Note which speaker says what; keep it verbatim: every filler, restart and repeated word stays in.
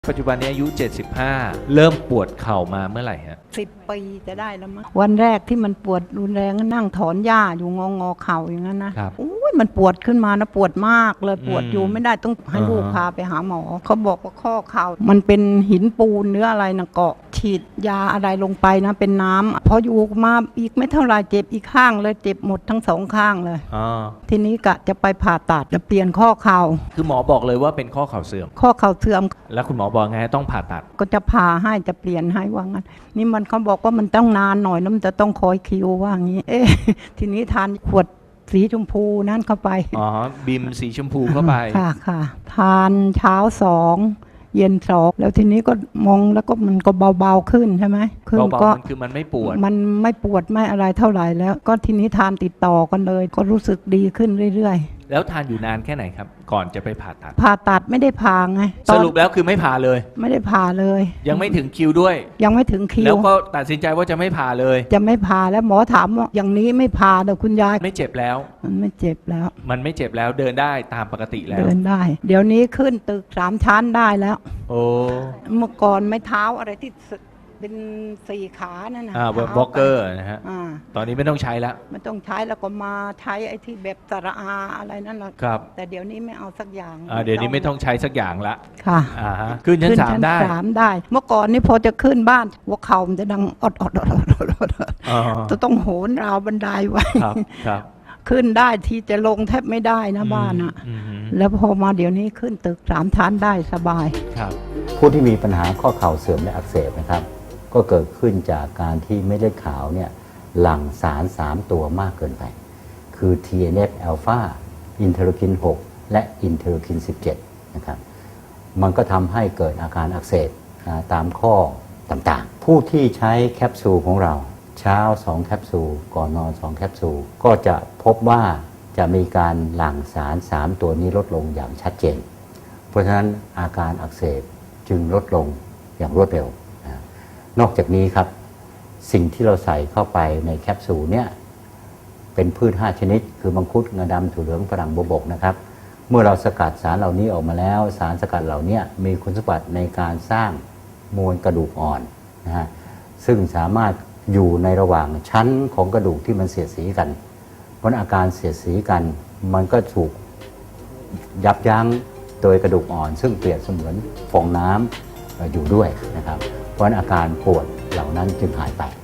Speaker 1: ปัจจุบันนี้อายุเจ็ดสิบห้าเริ่มปวดเข่ามาเมื่อไหร่ฮะ
Speaker 2: สิบปีจะได้แล้วมั้งวันแรกที่มันปวดรุนแรงก็นั่งถอนหญ้าอยู่งองอเข่าอย่างนั้นนะโอ้ยมันปวดขึ้นมานะปวดมากเลยปวดอยู่ไม่ได้ต้องให้ลูกพาไปหาหมอเขาบอกว่าข้อเข่ามันเป็นหินปูนเนื้ออะไรนะเกาะฉีดยาอะไรลงไปนะเป็นน้ำพออยู่มาอีกไม่เท่าไรเจ็บอีกข้างเลยเจ็บหมดทั้งสองข้างเลยทีนี้กะจะไปผ่าตัดจะเปลี่ยนข้อเข่า
Speaker 1: คือหมอบอกเลยว่าเป็นข้อเข่าเสื่อม
Speaker 2: ข้อเข่าเสื่อม
Speaker 1: แล้วคุณหมอบอกไงต้องผ่าตัด
Speaker 2: ก็จะผ่าให้จะเปลี่ยนให้ว่างั้นนี่มันเขาบอกว่ามันต้องนานหน่อยแล้วมันจะต้องคอยคิวว่างี้เอ๊ะทีนี้ทานขวดสีชมพูนั่นเข้าไป
Speaker 1: อ๋อบิมสีชมพูเข้าไป
Speaker 2: ค่ะค่ะทานเช้าสองเย็นสองแล้วทีนี้ก็มองแล้วก็มันก็เบาๆขึ้นใช่ไหม
Speaker 1: ขึ้นก็มันคือมันไม่ปวด
Speaker 2: มันไม่ปวดไม่อะไรเท่าไหร่แล้วก็ทีนี้ทานติดต่อกันเลยก็รู้สึกดีขึ้นเรื่อยๆ
Speaker 1: แล้วทานอยู่นานแค่ไหนครับก่อนจะไปผ่าตัด
Speaker 2: ผ่าตัดไม่ได้ผ่าไง
Speaker 1: สรุปแล้วคือไม่ผ่าเลย
Speaker 2: ไม่ได้ผ่าเลย
Speaker 1: ยังไม่ถึงคิวด้วย
Speaker 2: ยังไม่ถึงคิว
Speaker 1: แล้วก็ตัดสินใจว่าจะไม่ผ่าเลย
Speaker 2: จะไม่ผ่าแล้วหมอถามว่าอย่างนี้ไม่ผ่าเดี๋ยวคุณยาย
Speaker 1: ไม่เจ็บแล้ว
Speaker 2: มันไม่เจ็บแล้ว
Speaker 1: มันไม่เจ็บแล้วเดินได้ตามปกติแล้ว
Speaker 2: เดินได้เดี๋ยวนี้ขึ้นตึกสามชั้นได้แล้ว
Speaker 1: โอ้
Speaker 2: เมื่อก่อนไม่เท้าอะไรที่เป็นสี่ขานั่นนะ
Speaker 1: อ่าบล็อกเกอร์นะฮะตอนนี้ไม่ต้องใช้แล้ว
Speaker 2: ไม่ต้องใช้แล้วก็มาใช้ไอ้ที่แบบสระอาอะไรนั่นแหละ
Speaker 1: ครับ
Speaker 2: แต่เดี๋ยวนี้ไม่เอาสักอย่าง
Speaker 1: อ่าเดี๋ยวนี้ไม่ต้องใช้สักอย่างละ
Speaker 2: ค่ะ
Speaker 1: อ่าฮะขึ้นชั้นสามได้
Speaker 2: สามได้เมื่อก่อนนี่พอจะขึ้นบ้านหัวเข่ามันจะดังอดอดอดอดอดจะต้องโหนราวบันไดไว้
Speaker 1: ครับครับ
Speaker 2: ขึ้นได้ที่จะลงแทบไม่ได้นะบ้านอ่ะแล้วพอมาเดี๋ยวนี้ขึ้นตึกสามชั้นได้สบาย
Speaker 1: ครับ
Speaker 3: ผู้ที่มีปัญหาข้อเข่าเสื่อมและอักเสบนะครับก็เกิดขึ้นจากการที่เม็ดเลือดขาวเนี่ยหลั่งสารสามตัวมากเกินไปคือ ที เอ็น เอฟ อัลฟา อินเทอร์คิน หก และอินเทอร์คิน สิบเจ็ด นะครับมันก็ทำให้เกิดอาการอักเสบตามข้อต่างๆผู้ที่ใช้แคปซูลของเราเช้าสองแคปซูลก่อนนอนสองแคปซูลก็จะพบว่าจะมีการหลั่งสารสามตัวนี้ลดลงอย่างชัดเจนเพราะฉะนั้นอาการอักเสบจึงลดลงอย่างรวดเร็วนอกจากนี้ครับสิ่งที่เราใส่เข้าไปในแคปซูลเนี่ยเป็นพืชห้าชนิดคือมังคุดงาดำถั่วเหลืองฝรั่งบวบกนะครับเมื่อเราสกัดสารเหล่านี้ออกมาแล้วสารสกัดเหล่านี้มีคุณสมบัติในการสร้างมวลกระดูกอ่อนนะฮะซึ่งสามารถอยู่ในระหว่างชั้นของกระดูกที่มันเสียดสีกันเพราะอาการเสียดสีกันมันก็ถูกยับยั้งโดยกระดูกอ่อนซึ่งเปรียบเสมือนฟองน้ำอยู่ด้วยนะครับเพราะอาการปวดเหล่านั้นจึงหายไป